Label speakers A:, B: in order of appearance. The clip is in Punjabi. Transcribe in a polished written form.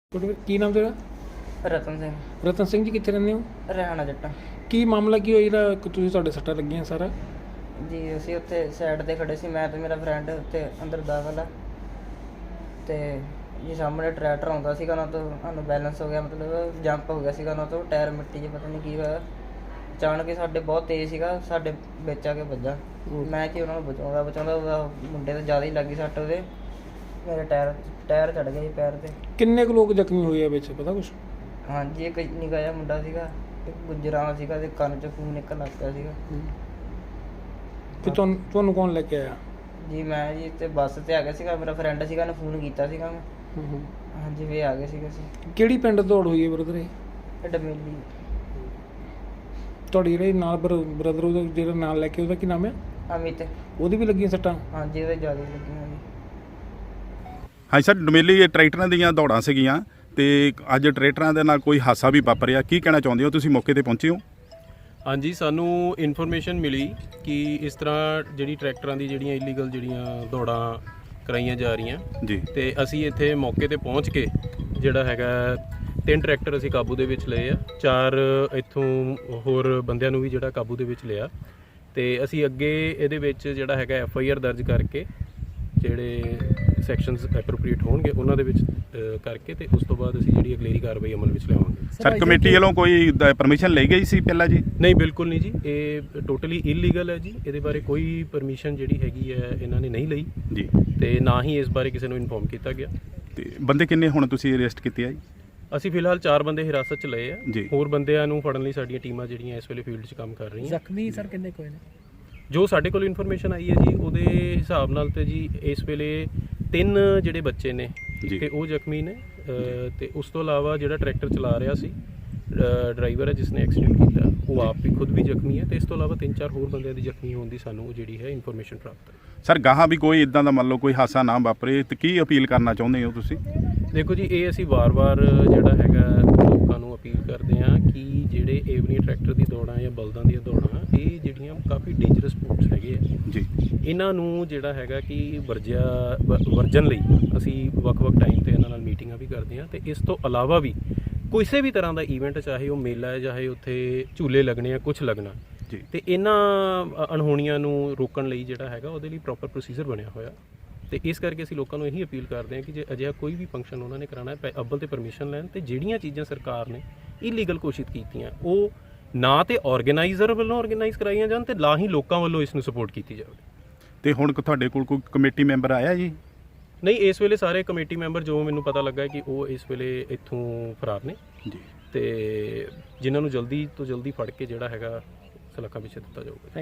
A: ਕੀ ਨਾਮ ਤੇਰਾ?
B: ਰਤਨ ਸਿੰਘ।
A: ਰਤਨ ਸਿੰਘ ਜੀ ਕਿੱਥੇ ਰਹਿੰਦੇ ਹੋ?
B: ਹਰਿਆਣਾ ਜੱਟਾਂ
A: ਕੀ ਮਾਮਲਾ ਕੀ ਹੋਇਆ ਜਿਹੜਾ ਤੁਸੀਂ ਤੁਹਾਡੇ ਸੱਟਾਂ ਲੱਗੀਆਂ ਸਾਰਾ?
B: ਜੀ ਅਸੀਂ ਉੱਥੇ ਸਾਈਡ ਤੇ ਖੜੇ ਸੀ, ਮੈਂ ਤੇ ਮੇਰਾ ਫਰੈਂਡ ਉੱਥੇ ਅੰਦਰ ਦਾਖਲ ਆ ਤੇ ਜੀ ਸਾਹਮਣੇ ਟਰੈਕਟਰ ਆਉਂਦਾ ਸੀਗਾ, ਉਹਨਾਂ ਤੋਂ ਸਾਨੂੰ ਬੈਲੈਂਸ ਹੋ ਗਿਆ, ਮਤਲਬ ਜੰਪ ਹੋ ਗਿਆ ਸੀਗਾ ਉਹਨਾਂ ਤੋਂ, ਟਾਇਰ ਮਿੱਟੀ 'ਚ ਪਤਾ ਨਹੀਂ ਕੀ ਹੋਇਆ, ਅਚਾਨਕ ਹੀ ਸਾਡੇ ਬਹੁਤ ਤੇਜ਼ ਸੀਗਾ, ਸਾਡੇ ਵਿੱਚ ਆ ਕੇ ਵੱਜਾ। ਮੈਂ ਕਿ ਉਹਨਾਂ ਨੂੰ ਬਚਾਉਂਦਾ ਉਹਦਾ ਮੁੰਡੇ ਤੇ ਜ਼ਿਆਦਾ ਹੀ ਲੱਗੀ ਸੱਟ, ਉਹਦੇ ਮੇਰੇ ਟਾਇਰ ਚੜ ਗਿਆ ਜੀ ਪੈਰ ਤੇ।
A: ਕਿੰਨੇ ਕੁ ਲੋਕ ਜ਼ਖਮੀ ਹੋਏ ਆ ਵਿੱਚ, ਪਤਾ ਕੁਛ?
B: ਹਾਂਜੀ ਇੱਕ ਨਿੱਕਾ ਜਿਹਾ ਮੁੰਡਾ ਸੀਗਾ, ਇੱਕ ਗੁੱਜਰਾਂ ਸੀਗਾ ਤੇ ਕੰਨ 'ਚ ਖੂਨ ਨਿਕਲਣ ਲੱਗ ਪਿਆ ਸੀਗਾ।
A: ਤੇ ਤੁਹਾਨੂੰ ਕੌਣ ਲੈ ਕੇ ਆਇਆ?
B: ਜੀ ਮੈਂ ਜੀ ਤੇ ਬੱਸ ਤੇ ਆ ਗਿਆ ਸੀਗਾ, ਮੇਰਾ ਫਰੈਂਡ ਸੀਗਾ, ਉਹਨੇ ਫੋਨ ਕੀਤਾ ਸੀਗਾ ਮੈਂ। ਹਾਂਜੀ ਵੀ ਆ ਗਏ ਸੀਗੇ ਅਸੀਂ।
A: ਕਿਹੜੀ ਪਿੰਡ ਦੌੜ ਹੋਈ ਹੈ ਬ੍ਰਦਰ? ਇਹ
B: ਡਮੇਲੀ।
A: ਤੁਹਾਡੀ ਜਿਹੜੇ ਨਾਲ ਬ੍ਰਦਰ ਉਹਦਾ ਜਿਹੜਾ ਨਾਲ ਲੈ ਕੇ, ਉਹਦਾ ਕੀ ਨਾਮ ਹੈ?
B: ਅਮਿਤ।
A: ਉਹਦੀ ਵੀ ਲੱਗੀਆਂ ਸੱਟਾਂ?
B: ਹਾਂਜੀ ਉਹਦੇ ਜ਼ਿਆਦਾ ਲੱਗੀਆਂ ਜੀ।
C: ਹਾਂਜੀ ਸਰ, ਡਮੇਲੀ ਟਰੈਕਟਰਾਂ ਦੀਆਂ ਦੌੜਾਂ ਸੀਗੀਆਂ ਤੇ ਅੱਜ ਟਰੈਕਟਰਾਂ ਦੇ ਨਾਲ ਕੋਈ ਹਾਦਸਾ ਵੀ ਵਾਪਰਿਆ, ਕੀ ਕਹਿਣਾ ਚਾਹੁੰਦੇ ਹੋ? ਤੁਸੀਂ ਮੌਕੇ ਤੇ ਪਹੁੰਚੇ ਹੋ?
D: ਹਾਂਜੀ, ਸਾਨੂੰ ਇਨਫੋਰਮੇਸ਼ਨ ਮਿਲੀ ਕਿ ਇਸ ਤਰ੍ਹਾਂ ਜਿਹੜੀ ਟਰੈਕਟਰਾਂ ਦੀ ਜਿਹੜੀਆਂ ਇਲੀਗਲ ਜਿਹੜੀਆਂ ਦੌੜਾਂ ਕਰਾਈਆਂ ਜਾ ਰਹੀਆਂ
C: ਜੀ,
D: ਤੇ ਅਸੀਂ ਇੱਥੇ ਮੌਕੇ ਤੇ ਪਹੁੰਚ ਕੇ ਜਿਹੜਾ ਹੈਗਾ 3 ਟਰੈਕਟਰ ਅਸੀਂ ਕਾਬੂ ਦੇ ਵਿੱਚ ਲਏ ਆ, 4 ਇੱਥੋਂ ਹੋਰ ਬੰਦਿਆਂ ਨੂੰ ਵੀ ਜਿਹੜਾ ਕਾਬੂ ਦੇ ਵਿੱਚ ਲਿਆ ਤੇ ਅਸੀਂ ਅੱਗੇ ਇਹਦੇ ਵਿੱਚ ਜਿਹੜਾ ਹੈਗਾ FIR ਦਰਜ ਕਰਕੇ ਜਿਹੜੇ ਸੈਕਸ਼ਨਸ ਐਪਰੋਪਰੀਏਟ ਹੋਣਗੇ ਉਹਨਾਂ ਦੇ ਵਿੱਚ ਕਰਕੇ ਤੇ ਉਸ ਤੋਂ ਬਾਅਦ ਅਸੀਂ ਜਿਹੜੀ ਅਗਲੇਰੀ ਕਾਰਵਾਈ ਅਮਲ ਵਿੱਚ ਲਿਆਵਾਂਗੇ।
C: ਸਰ ਕਮੇਟੀ ਵੱਲੋਂ ਕੋਈ ਪਰਮਿਸ਼ਨ ਲਈ ਗਈ ਸੀ ਪਹਿਲਾਂ ਜੀ?
D: ਨਹੀਂ, ਬਿਲਕੁਲ ਨਹੀਂ ਜੀ, ਇਹ ਟੋਟਲੀ ਇਲੀਗਲ ਹੈ ਜੀ, ਇਹਦੇ ਬਾਰੇ ਕੋਈ ਪਰਮਿਸ਼ਨ ਜਿਹੜੀ ਹੈਗੀ ਹੈ ਇਹਨਾਂ ਨੇ ਨਹੀਂ ਲਈ
C: ਜੀ, ਤੇ
D: ਨਾ ਹੀ ਇਸ ਬਾਰੇ ਕਿਸੇ ਨੂੰ ਇਨਫੋਰਮ ਕੀਤਾ ਗਿਆ।
C: ਤੇ ਬੰਦੇ ਕਿੰਨੇ ਹੁਣ ਤੁਸੀਂ ਅਰੈਸਟ ਕੀਤੇ ਆ ਜੀ?
D: ਅਸੀਂ ਫਿਲਹਾਲ 4 ਬੰਦੇ ਹਿਰਾਸਤ 'ਚ ਲਏ ਆ,
C: ਜੀ।
D: ਹੋਰ ਬੰਦਿਆਂ ਨੂੰ ਫੜਨ ਲਈ ਸਾਡੀਆਂ ਟੀਮਾਂ ਜਿਹੜੀਆਂ ਇਸ ਵੇਲੇ ਫੀਲਡ 'ਚ ਕੰਮ ਕਰ ਰਹੀਆਂ।
A: ਜ਼ਖਮੀ ਸਰ ਕਿੰਨੇ ਕੋਈ ਨੇ?
D: ਜੋ ਸਾਡੇ ਕੋਲ ਇਨਫੋਰਮੇਸ਼ਨ ਆਈ ਹੈ ਜੀ ਉਹਦੇ ਹਿਸਾਬ ਨਾਲ ਤੇ ਜੀ ਇਸ ਵੇਲੇ 3 ਜਿਹੜੇ ਬੱਚੇ ਨੇ
C: ਜੀ,
D: ਤੇ ਉਹ ਜ਼ਖਮੀ ਨੇ ਤੇ ਉਸ ਤੋਂ ਇਲਾਵਾ ਜਿਹੜਾ ਟਰੈਕਟਰ ਚਲਾ ਰਿਹਾ ਸੀ ਡਰਾਈਵਰ ਹੈ ਜਿਸਨੇ ਐਕਸੀਡੈਂਟ ਕੀਤਾ, ਉਹ ਆਪ ਵੀ ਖੁਦ ਵੀ ਜ਼ਖਮੀ ਹੈ ਤੇ ਇਸ ਤੋਂ ਇਲਾਵਾ 3-4 ਹੋਰ ਬੰਦਿਆਂ ਦੀ ਜ਼ਖਮੀ ਹੋਣ ਦੀ ਸਾਨੂੰ ਜਿਹੜੀ ਹੈ ਇਨਫੋਰਮੇਸ਼ਨ ਪ੍ਰਾਪਤ ਹੈ।
C: ਸਰ ਗਾਹਾਂ ਵੀ ਕੋਈ ਇਦਾਂ ਦਾ ਮੰਨ ਲਓ ਕੋਈ ਹਾਦਸਾ ਨਾ ਵਾਪਰੇ ਤੇ ਕੀ ਅਪੀਲ ਕਰਨਾ ਚਾਹੁੰਦੇ ਹੋ ਤੁਸੀਂ?
D: ਦੇਖੋ ਜੀ, ਇਹ ਅਸੀਂ ਵਾਰ-ਵਾਰ ਜਿਹੜਾ ਹੈਗਾ ਲੋਕਾਂ ਨੂੰ ਅਪੀਲ ਕਰਦੇ ਹਾਂ ਕਿ ਜਿਹੜੇ ਏਵਨੀ ਟਰੈਕਟਰ ਦੀ ਦੌੜਾਂ ਜਾਂ ਬਲਦਾਂ ਦੀਆਂ ਦੌੜਾਂ, ਇਹ ਜਿਹੜੀਆਂ ਕਾਫੀ ਡੇਂਜਰਸ ਸਪੋਰਟਸ ਹੈਗੇ ਆ
C: ਜੀ,
D: ਇਹਨਾਂ ਨੂੰ ਜਿਹੜਾ ਹੈਗਾ ਕਿ ਵਰਜਨ ਲਈ ਅਸੀਂ ਵੱਖ-ਵੱਖ ਟਾਈਮ ਤੇ ਇਹਨਾਂ ਨਾਲ ਮੀਟਿੰਗਾਂ ਵੀ ਕਰਦੇ ਹਾਂ ਤੇ ਇਸ ਤੋਂ ਇਲਾਵਾ ਵੀ ਕਿਸੇ ਵੀ ਤਰ੍ਹਾਂ ਦਾ ਈਵੈਂਟ, ਚਾਹੇ ਉਹ ਮੇਲਾ ਹੈ, ਚਾਹੇ ਉੱਥੇ ਝੂਲੇ ਲੱਗਣੇ ਆ, ਕੁਝ ਲੱਗਣਾ
C: ਜੀ,
D: ਤੇ ਇਹਨਾਂ ਅਣਹੋਣੀਆਂ ਨੂੰ ਰੋਕਣ ਲਈ ਜਿਹੜਾ ਹੈਗਾ ਉਹਦੇ ਲਈ ਪ੍ਰੋਪਰ ਪ੍ਰੋਸੀਜਰ ਬਣਿਆ ਹੋਇਆ ਤੇ ਇਸ ਕਰਕੇ ਅਸੀਂ ਲੋਕਾਂ ਨੂੰ ਇਹੀ ਅਪੀਲ ਕਰਦੇ ਹਾਂ ਕਿ ਜੇ ਅਜਿਹਾ ਕੋਈ ਵੀ ਫੰਕਸ਼ਨ ਉਹਨਾਂ ਨੇ ਕਰਾਉਣਾ ਹੈ, ਅੱਵਲ ਤੇ ਪਰਮਿਸ਼ਨ ਲੈਣ ਤੇ ਜਿਹੜੀਆਂ ਚੀਜ਼ਾਂ ਸਰਕਾਰ ਨੇ ਇਲੀਗਲ ਘੋਸ਼ਿਤ ਕੀਤੀਆਂ ਉਹ ਨਾ ਤੇ ਆਰਗੇਨਾਈਜ਼ਰ ਵੱਲੋਂ ਆਰਗੇਨਾਈਜ਼ ਕਰਾਈਆਂ ਜਾਣ ਤੇ ਨਾ ਹੀ ਲੋਕਾਂ ਵੱਲੋਂ ਇਸ ਨੂੰ ਸਪੋਰਟ ਕੀਤੀ ਜਾਵੇ।
C: ਤੇ ਹੁਣ ਤੁਹਾਡੇ ਕੋਲ ਕੋਈ ਕਮੇਟੀ ਮੈਂਬਰ ਆਇਆ ਜੀ?
D: ਨਹੀਂ, ਇਸ ਵੇਲੇ ਸਾਰੇ ਕਮੇਟੀ ਮੈਂਬਰ ਜੋ ਮੈਨੂੰ ਪਤਾ ਲੱਗਾ ਕਿ ਉਹ ਇਸ ਵੇਲੇ ਇੱਥੋਂ ਫਰਾਰ ਨੇ
C: ਜੀ,
D: ਤੇ ਜਿਨ੍ਹਾਂ ਨੂੰ ਜਲਦੀ ਤੋਂ ਜਲਦੀ ਫੜ ਕੇ ਜਿਹੜਾ ਹੈਗਾ ਸਲਾਖਾਂ ਪਿੱਛੇ ਦਿੱਤਾ ਜਾਊਗਾ।